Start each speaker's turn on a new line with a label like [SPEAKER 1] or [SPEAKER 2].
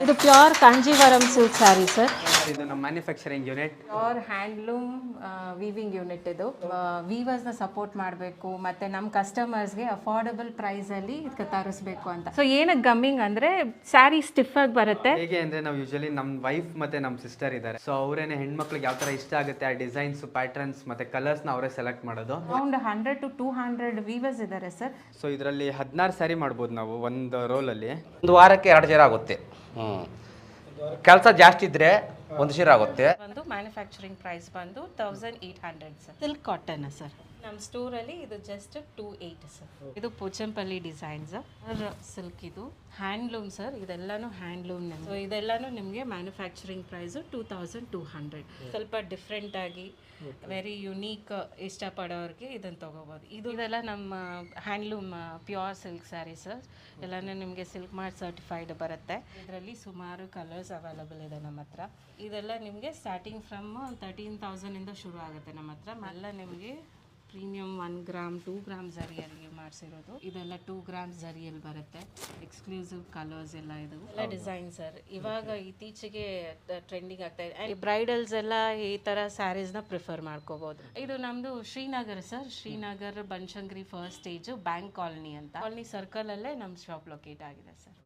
[SPEAKER 1] ಇದು pure Kanjeevaram silk sari sir.
[SPEAKER 2] ಇದು ನಮ್ಮ manufacturing unit.
[SPEAKER 1] Pure handloom weaving unit ಇದು. ವೀವರ್ಸ್ನ ಸಪೋರ್ಟ್ ಮಾಡಬೇಕು ಮತ್ತು ನಮ್ಮ ಕಸ್ಟಮರ್ಸ್ಗೆ ಅಫೋರ್ಡಬಲ್ ಪ್ರೈಸಲ್ಲಿ ಇದಕ್ಕೆ ತರಿಸ್ಬೇಕು ಅಂತ. ಸೊ ಏನಕ್ಕೆ ಗಮ್ಮಿಂಗ್ ಅಂದರೆ ಸ್ಯಾರಿ ಸ್ಟಿಫಾಗಿ ಬರುತ್ತೆ.
[SPEAKER 2] ಹೇಗೆ ಅಂದರೆ ನಾವು ಯೂಶಲಿ ನಮ್ಮ ವೈಫ್ ಮತ್ತು ನಮ್ಮ ಸಿಸ್ಟರ್ ಇದ್ದಾರೆ. ಸೊ ಅವರೇನೆ ಹೆಣ್ಮಕ್ಳಿಗೆ ಯಾವ ಥರ ಇಷ್ಟ ಆಗುತ್ತೆ ಆ ಡಿಸೈನ್ಸ್, ಪ್ಯಾಟರ್ನ್ಸ್ ಮತ್ತು ಕಲರ್ಸ್ನ ಅವರೇ ಸೆಲೆಕ್ಟ್ ಮಾಡೋದು.
[SPEAKER 1] ಅರೌಂಡ್ 100 to 200 ವೀವರ್ಸ್ ಇದ್ದಾರೆ ಸರ್.
[SPEAKER 2] ಸೊ ಇದರಲ್ಲಿ 16 ಸ್ಯಾರಿ ಮಾಡ್ಬೋದು ನಾವು ಒಂದು ರೋಲಲ್ಲಿ.
[SPEAKER 3] ಒಂದು ವಾರಕ್ಕೆ 2 ಸೀರೆ ಆಗುತ್ತೆ. ಕೆಲಸ ಜಾಸ್ತಿ ಇದ್ರೆ ಒಂದು ಸೀರೆ ಆಗುತ್ತೆ.
[SPEAKER 1] ಒಂದು ಮ್ಯಾನುಫ್ಯಾಕ್ಚರಿಂಗ್ ಪ್ರೈಸ್ ಬಂದು 1800 ಸರ್. Silk cotton sir. ನಮ್ಮ ಸ್ಟೋರಲ್ಲಿ ಇದು ಜಸ್ಟ್ 28 ಸರ್. ಇದು ಪೋಚಂಪಲ್ಲಿ ಡಿಸೈನ್ಸ್ ಸಿಲ್ಕ್. ಇದು ಹ್ಯಾಂಡ್ಲೂಮ್ ಸರ್. ಇದೆಲ್ಲಾನು ಹ್ಯಾಂಡ್ಲೂಮ್. ಸೊ ಇದೆಲ್ಲಾನು ನಿಮಗೆ ಮ್ಯಾನುಫ್ಯಾಕ್ಚರಿಂಗ್ ಪ್ರೈಸು 2200. ಸ್ವಲ್ಪ ಡಿಫ್ರೆಂಟ್ ಆಗಿ ವೆರಿ ಯುನೀಕ್ ಇಷ್ಟಪಡೋರಿಗೆ ಇದನ್ನು ತೊಗೋಬೋದು. ಇದೆಲ್ಲ ನಮ್ಮ handloom pure silk sari sir. ಎಲ್ಲನೂ ನಿಮಗೆ ಸಿಲ್ಕ್ ಮಾರ್ಟ್ ಸರ್ಟಿಫೈಡ್ ಬರುತ್ತೆ. ಇದರಲ್ಲಿ ಸುಮಾರು ಕಲರ್ಸ್ ಅವೈಲಬಲ್ ಇದೆ ನಮ್ಮ ಹತ್ರ. ಇದೆಲ್ಲ ನಿಮಗೆ ಸ್ಟಾರ್ಟಿಂಗ್ ಫ್ರಮ್ 13,000 ಶುರು ಆಗುತ್ತೆ ನಮ್ಮ ಹತ್ರ. ಎಲ್ಲ ನಿಮಗೆ ಪ್ರೀಮಿಯಮ್ 1 ಗ್ರಾಮ್ 2 ಗ್ರಾಮ್ ಜರಿಯಲ್ಲಿ ಮಾಡಿಸಿರೋದು. ಇದೆಲ್ಲ 2 ಗ್ರಾಮ್ ಜರಿಯಲ್ಲಿ ಬರುತ್ತೆ. ಎಕ್ಸ್ಕ್ಲೂಸಿವ್ ಕಲರ್ಸ್ ಎಲ್ಲ ಇದು ಎಲ್ಲ ಡಿಸೈನ್ ಸರ್. ಇವಾಗ ಇತ್ತೀಚೆಗೆ ಟ್ರೆಂಡಿಂಗ್ ಆಗ್ತಾ ಇದೆ. ಬ್ರೈಡಲ್ಸ್ ಎಲ್ಲ ಈ ಥರ ಸ್ಯಾರೀಸ್ನ ಪ್ರಿಫರ್ ಮಾಡ್ಕೋಬೋದು. ಇದು ನಮ್ಮದು Srinagar sir. Srinagar Banashankari first stage bank colony ಅಂತ. ಕಾಲನಿ ಸರ್ಕಲಲ್ಲೇ ನಮ್ಮ ಶಾಪ್ ಲೊಕೇಟ್ ಆಗಿದೆ ಸರ್.